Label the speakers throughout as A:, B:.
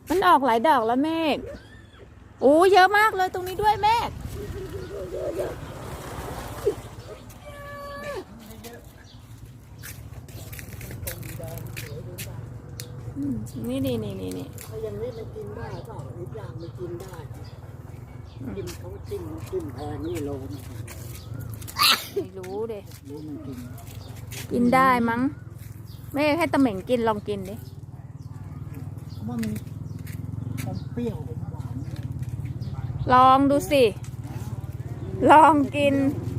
A: มันออกหลายดอกแล้วเมฆโอ้เยอะมากเลยตรงนี้ด้วยเมฆนี่ถ้าอย่างนี้มันกินได้ก็อีกอย่างมันกินได้กินเขาจิ้มแพงนี่โลไม่รู้เด้กินได้มั้งไม่ให้ตะเหม่งกินลองกินดิว่ามันเปรี้ยวหวานลองดูสิลองกิน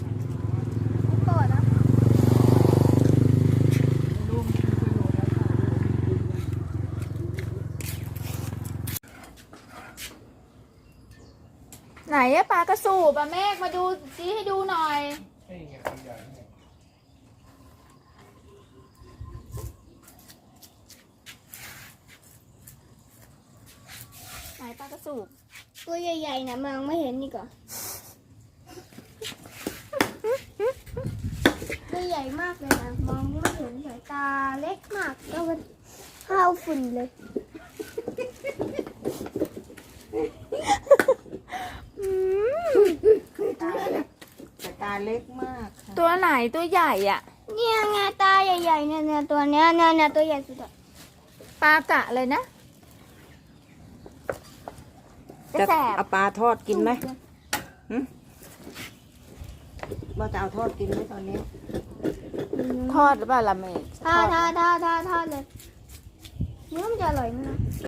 A: ไหนอะปลากระสูบอะเมฆมาดูสิให้ดูหน่อยไหนปลากระสูบ
B: ตัวใหญ่ๆนะมองไม่เห็นนี่ก่อนตัวใหญ่มากเลยนะมองไม่เห็นสายตาเล็กมากแล้วมันข้าวฝุ่นเลย
C: ตาเล็กมาก
A: ตัวไหนตัวใหญ่อ่ะ
B: เนี่ยไงตาใหญ่ๆเนี่ยตัวเนี้ยเนี่ยตัวใหญ่สุดอะ
A: ปลากะเลยนะจะแสบ
C: เอาปลาทอดกินไหมว่าจะเอาทอดกินไหมตอนนี้
A: ทอดหรือเปล่าล่ะเมฆ
B: ทอดเลยเนื้อมันจะอร่อยนะ